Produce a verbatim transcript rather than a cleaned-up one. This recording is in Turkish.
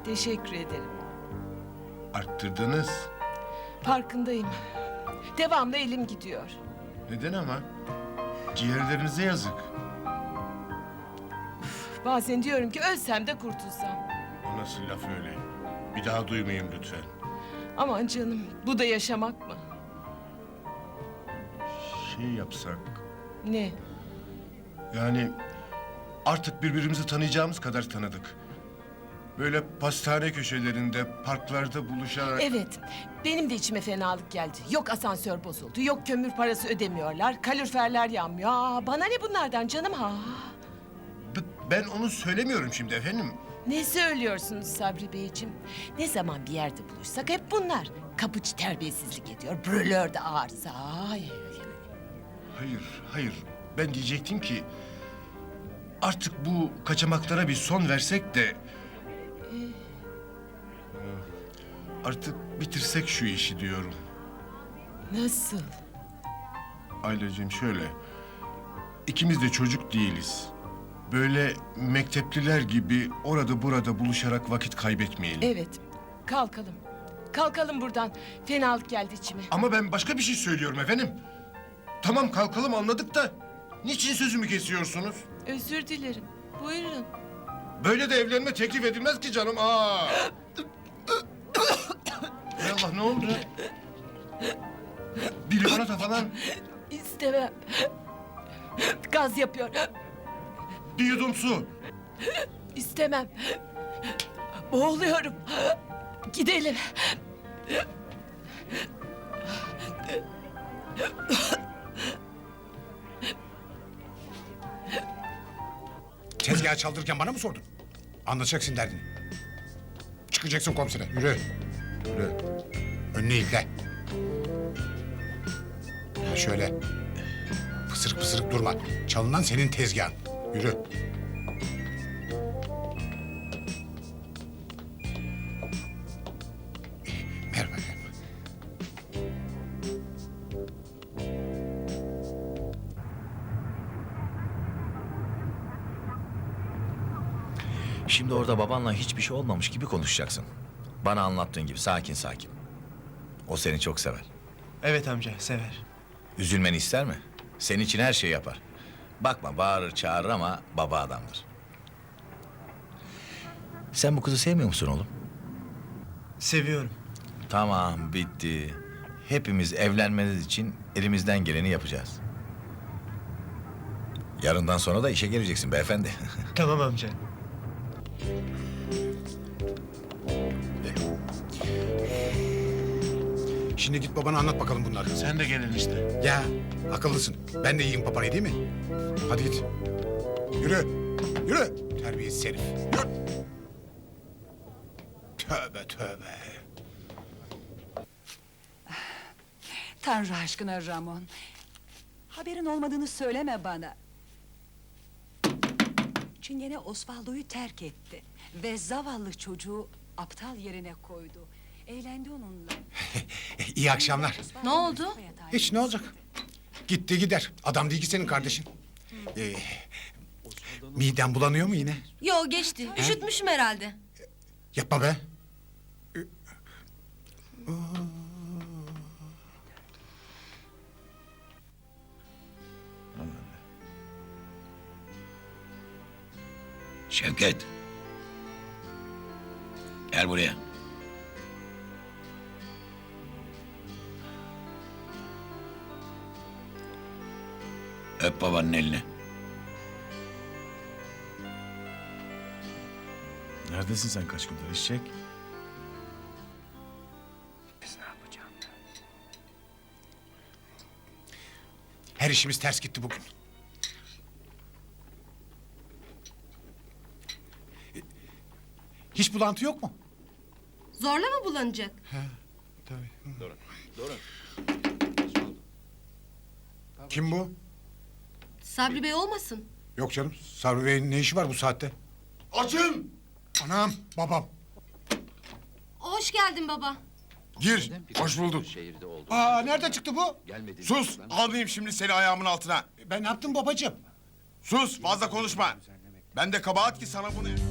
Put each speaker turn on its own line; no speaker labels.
Teşekkür ederim.
Arttırdınız.
Farkındayım. Devamlı elim gidiyor.
Neden ama? Ciğerlerinize yazık.
Bazen diyorum ki ölsem de kurtulsam.
O nasıl laf öyle? Bir daha duymayayım lütfen.
Aman canım, bu da yaşamak mı?
Şey yapsak...
Ne?
Yani artık birbirimizi tanıyacağımız kadar tanıdık. Böyle pastane köşelerinde, parklarda buluşarak...
Evet, benim de içime fenalık geldi. Yok asansör bozuldu, yok kömür parası ödemiyorlar, kaloriferler yanmıyor. Aa, bana ne bunlardan canım ha?
B- Ben onu söylemiyorum şimdi efendim.
Ne söylüyorsunuz Sabri Beyciğim? Ne zaman bir yerde buluşsak hep bunlar. Kapıcı terbiyesizlik ediyor, brülör de arıza. Ay.
Hayır, hayır. Ben diyecektim ki... Artık bu kaçamaklara bir son versek de... Artık bitirsek şu işi diyorum.
Nasıl?
Aileciğim şöyle... İkimiz de çocuk değiliz. Böyle mektepliler gibi orada burada buluşarak vakit kaybetmeyelim.
Evet, kalkalım. Kalkalım buradan. Fenalık geldi içime.
Ama ben başka bir şey söylüyorum efendim. Tamam kalkalım anladık da... Niçin sözümü kesiyorsunuz?
Özür dilerim. Buyurun.
Böyle de evlenme teklif edilmez ki canım. Aa! Hay Allah ne oldu? Bir limonata falan.
İstemem. Gaz yapıyor.
Bir yudum su.
İstemem. Boğuluyorum. Gidelim.
Tezgahı çaldırırken bana mı sordun? Anlatacaksın derdini. Çıkacaksın komisere. Yürü. Yürü. Önüne ilikle. Ha şöyle. Pısırık pısırık durma. Çalınan senin tezgahın. Yürü. Merhaba.
Şimdi orada babanla hiçbir şey olmamış gibi konuşacaksın. Bana anlattığın gibi sakin sakin. O seni çok sever.
Evet amca, sever.
Üzülmeni ister mi? Senin için her şeyi yapar. Bakma bağırır çağırır ama baba adamdır. Sen bu kızı sevmiyor musun oğlum?
Seviyorum.
Tamam bitti. Hepimiz evlenmeniz için elimizden geleni yapacağız. Yarından sonra da işe geleceksin beyefendi.
Tamam amca.
Şimdi git babana anlat bakalım bunları.
Sen de gelin işte.
Ya akıllısın. Ben de yiyeyim paparayı değil mi? Hadi git. Yürü. Yürü. Terbiyesiz herif. Yürü. Tövbe tövbe.
Tanrı aşkına Ramon. Haberin olmadığını söyleme bana. Çingene Osvaldo'yu terk etti. Ve zavallı çocuğu aptal yerine koydu. Eğlendi onunla.
İyi akşamlar.
Ne oldu?
Hiç ne olacak? Gitti gider. Adam değil ki senin kardeşin. Ee, miden bulanıyor mu yine?
Yo geçti. Üşütmüşüm herhalde.
Yapma be.
Şevket. Gel buraya. Öp babanın elini.
Neredesin sen kaç gündür eşek?
Her işimiz ters gitti bugün. Hiç bulantı yok mu?
Zorla mı bulanacak?
Tabii. Kim bu?
Sabri Bey olmasın?
Yok canım. Sabri Bey'in ne işi var bu saatte?
Açın!
Anam, babam.
Hoş geldin baba.
Gir. Hoş bulduk. Aa, nerede çıktı bu?
Sus! Almayayım şimdi seni ayağımın altına.
Ben ne yaptım babacığım?
Sus! Fazla konuşma. Ben de kabahat ki sana bunu...